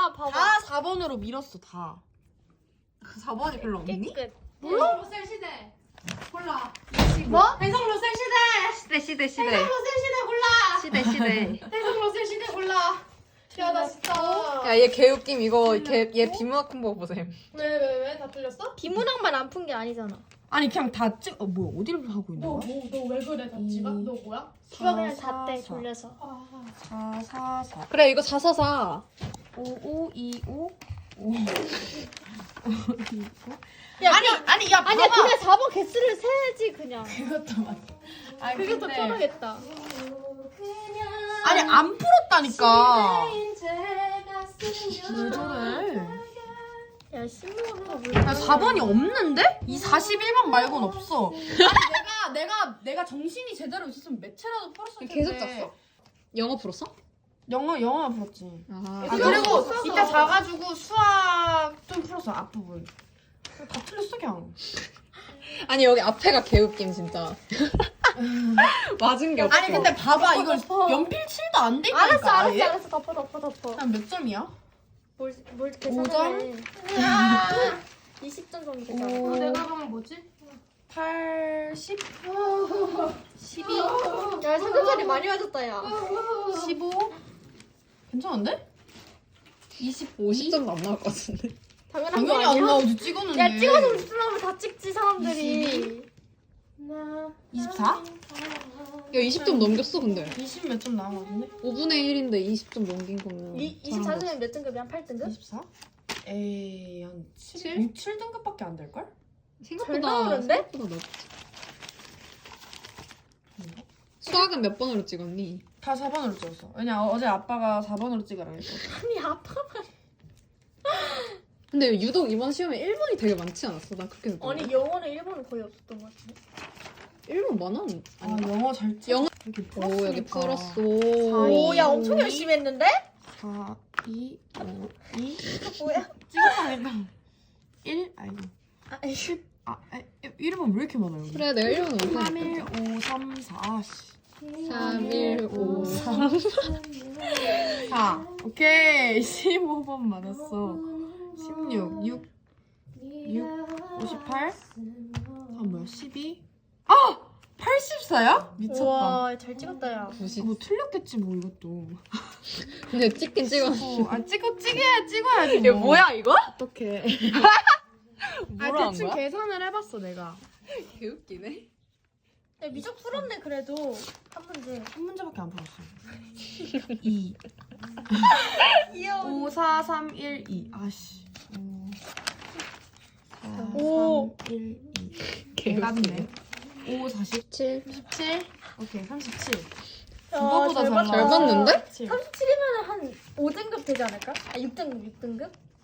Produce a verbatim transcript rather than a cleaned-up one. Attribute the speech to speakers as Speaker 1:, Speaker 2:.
Speaker 1: 야 봐봐.
Speaker 2: 다 사 번으로 밀었어 다. 사 번이 별로 없니?
Speaker 1: 끝.
Speaker 3: 몰라? 로셀 시대. 골라.
Speaker 1: 뭐?
Speaker 3: 해성 로셀 시대.
Speaker 4: 시대 시대 시대
Speaker 3: 해성 로셀 시대 골라.
Speaker 4: 시대 시대.
Speaker 3: 해성 로셀 시대 골라. 야, 나 진짜.
Speaker 4: 야 얘 개웃김 이거 걔, 얘 비문학 콤보 보셈.
Speaker 3: 왜, 왜, 왜? 다 틀렸어?
Speaker 1: 비문학만 안 푼 게 아니잖아.
Speaker 2: 아니 그냥 다 찍. 어 뭐야 어디를 하고 있는
Speaker 3: 너,
Speaker 2: 거야?
Speaker 3: 뭐, 너 왜 그래, 답지가?
Speaker 2: 이.
Speaker 3: 너 뭐야?
Speaker 1: 수학 그냥
Speaker 2: 사,
Speaker 1: 다 떼
Speaker 2: 사.
Speaker 1: 돌려서.
Speaker 3: 아,
Speaker 2: 사 사 사.
Speaker 4: 그래 이거 사사사.
Speaker 2: 오 오 이 오 오.
Speaker 1: 야,
Speaker 2: 아니 아니 야
Speaker 1: 아니야
Speaker 2: 봐봐.
Speaker 1: 그냥 사 번 개수를 세야지 그냥.
Speaker 2: 그것도 맞아. 아
Speaker 1: 그게 더
Speaker 2: 근데-
Speaker 1: 편하겠다.
Speaker 2: 아니 안 풀었다니까. 왜 저래?
Speaker 1: 야 신문은
Speaker 2: 야 사 번이 없는데? 이 사십일 번 말고는 없어. 아니 내가 내가 내가 정신이 제대로 있었으면 매체라도 풀었을 텐데.
Speaker 4: 계속 짰어? 영어 풀었어?
Speaker 2: 영어 영어 풀었지.
Speaker 4: 아,
Speaker 2: 아
Speaker 1: 그거
Speaker 2: 그리고
Speaker 1: 써서.
Speaker 2: 이따 자가지고 수학 좀 풀었어 앞부분. 다 틀렸어 그냥.
Speaker 4: 아니 여기 앞에가 개웃김 진짜. 맞은 게 없어.
Speaker 2: 아니 근데 봐봐 이거
Speaker 1: 덮어.
Speaker 2: 연필 칠도 안 돼.
Speaker 1: 알았어
Speaker 2: 있다니까,
Speaker 1: 알았어
Speaker 2: 아예?
Speaker 1: 알았어 덮어 덮어 덮어.
Speaker 2: 한 몇 점이야?
Speaker 1: 뭘뭘
Speaker 2: 오 점?
Speaker 1: 계산해. 이십 점 정도 되잖아.
Speaker 2: 오.
Speaker 3: 어, 내가 하면 뭐지?
Speaker 2: 팔십, 십이,
Speaker 1: 야 삼겹살이 많이 맞았다 야.
Speaker 2: 십오. 괜찮은데? 이십오.
Speaker 4: 오십 점도 안 나올 것 같은데.
Speaker 1: 당연한
Speaker 2: 당연히
Speaker 1: 거
Speaker 2: 안
Speaker 1: 아니야?
Speaker 2: 나오지 찍었는데.
Speaker 1: 야 찍어서 오십 점 하면 다 찍지 사람들이.
Speaker 2: 이십사?
Speaker 4: 야 이십 점 넘겼어 근데.
Speaker 2: 이십 몇 점 나온 거 같은데?
Speaker 4: 오분의 일인데 이십 점 넘긴 거면.
Speaker 1: 이 이십사 점이면 몇 등급이야? 팔 등급?
Speaker 2: 이십사? 에이 한 칠?
Speaker 4: 칠?
Speaker 2: 육, 칠 등급밖에 안 될걸?
Speaker 1: 잘
Speaker 4: 생각보다
Speaker 1: 나오는데?
Speaker 4: 생각보다 넓지. 수학은 몇 번으로 찍었니?
Speaker 2: 다 사 번으로 찍었어. 왜냐 어제 아빠가 사 번으로 찍으라 했어.
Speaker 1: 아니 아빠가
Speaker 4: 근데 유독 이번 시험에 일 번이 되게 많지 않았어? 나 그렇게 느꼈는데.
Speaker 1: 아니 영어는 일본은 거의 없었던 것 같은데.
Speaker 4: 일 번 많아?
Speaker 2: 아
Speaker 4: 아니
Speaker 2: 영어 잘 찍.
Speaker 4: 영어-
Speaker 2: 이렇게
Speaker 4: 오 여기
Speaker 2: 풀었으니까.
Speaker 4: 풀었어.
Speaker 1: 오야 엄청 열심히 했는데?
Speaker 2: 사, 이, 오, 이.
Speaker 1: 뭐야?
Speaker 2: 찍었다니까. 일? 아이고.
Speaker 1: 아 이거
Speaker 2: 아, 일 번 왜 이렇게 많아요? 여기?
Speaker 4: 그래 내가 일 번
Speaker 2: 삼,
Speaker 4: 못하니까.
Speaker 2: 일, 오, 삼, 사, 씨.
Speaker 4: 삼, 일, 오, 삼.
Speaker 2: 사. 오케이. 십오 번 맞았어. 십육, 육, 육, 오십팔. 아, 뭐야, 십이. 아! 팔십사야? 미쳤다.
Speaker 1: 우와 잘 찍었다 야.
Speaker 4: 구십.
Speaker 2: 뭐 틀렸겠지, 뭐, 이것도.
Speaker 4: 근데 찍긴 찍었어.
Speaker 2: 어, 아, 찍어, 찍어야, 찍어야지.
Speaker 4: 이게
Speaker 2: 뭐.
Speaker 4: 뭐야 이거?
Speaker 2: 어떡해.
Speaker 4: 뭐라
Speaker 2: 아,
Speaker 4: 한
Speaker 2: 대충
Speaker 4: 거야?
Speaker 2: 계산을 해봤어, 내가.
Speaker 4: 개웃기네.
Speaker 1: 야 미적 풀었네 그래도 한 문제.
Speaker 2: 한 문제밖에 안 풀었어. 이.
Speaker 1: 귀여워.
Speaker 2: 오, 사, 삼, 일, 이. 아씨. 오. 사,
Speaker 1: 오.
Speaker 2: 삼, 일, 이.
Speaker 4: 개웃기네.
Speaker 2: 깝네. 오, 사십.
Speaker 4: 칠.
Speaker 2: 십칠. 오케이, 삼십칠.
Speaker 1: 야,
Speaker 2: 그거보다
Speaker 1: 잘
Speaker 2: 잘
Speaker 1: 봤다.
Speaker 4: 잘 봤는데?
Speaker 1: 삼십칠이면 한 오 등급 되지 않을까? 아 육 등급 육 등급?